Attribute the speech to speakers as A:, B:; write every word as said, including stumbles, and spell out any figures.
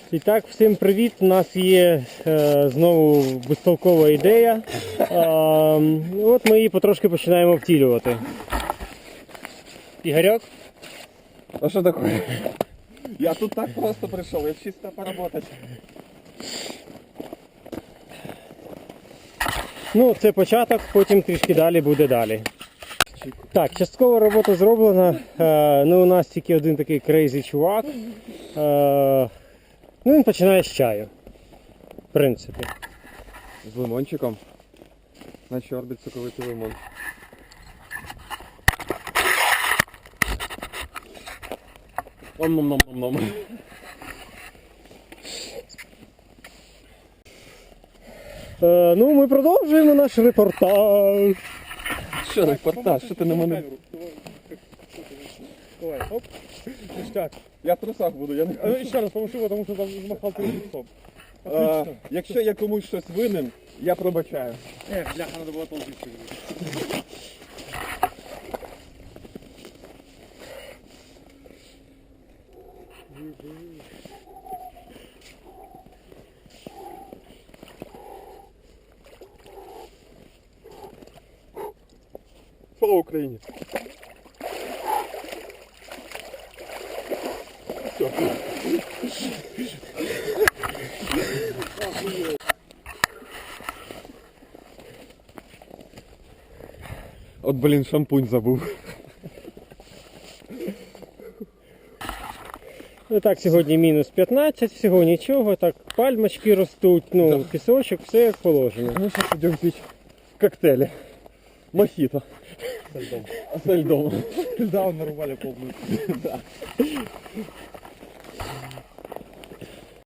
A: І так, всім привіт! У нас є е, знову безтолкова ідея. Е, от ми її потрошки починаємо втілювати. Ігорьок?
B: А что такое? Я тут так просто пришел, я чисто поработать.
A: Ну, це початок, потім трішки далі буде далі. Так, частково робота зроблена. Е, ну, у нас тільки один такий крейзі чувак. Е, ну, він починає з чаю. В принципі.
B: З лимончиком. На чорбі соковитий лимон. Ом-ном-ном-ном-ном.
A: Е, ну, ми продовжуємо наш репортаж.
B: Що репортаж? Що ти на мене?
A: Давай, оп. Так.
B: Я в трусах буду, я не
A: А, ще раз поможу, тому що там змахав твій стоп.
B: А, якщо я комусь щось винен, я пробачаю.
A: Ех, бляха, треба було толчити.
B: Слава Україні! Все. От, блін, шампунь забув.
A: Ну так, сьогодні мінус п'ятнадцять, всього нічого, так пальмочки ростуть, ну, пісочок, все як положено.
B: Мы сейчас идем пить коктейли. Мохито.
A: Со льдом.
B: А со льдом.
A: Да, нарубали полную.
B: Да.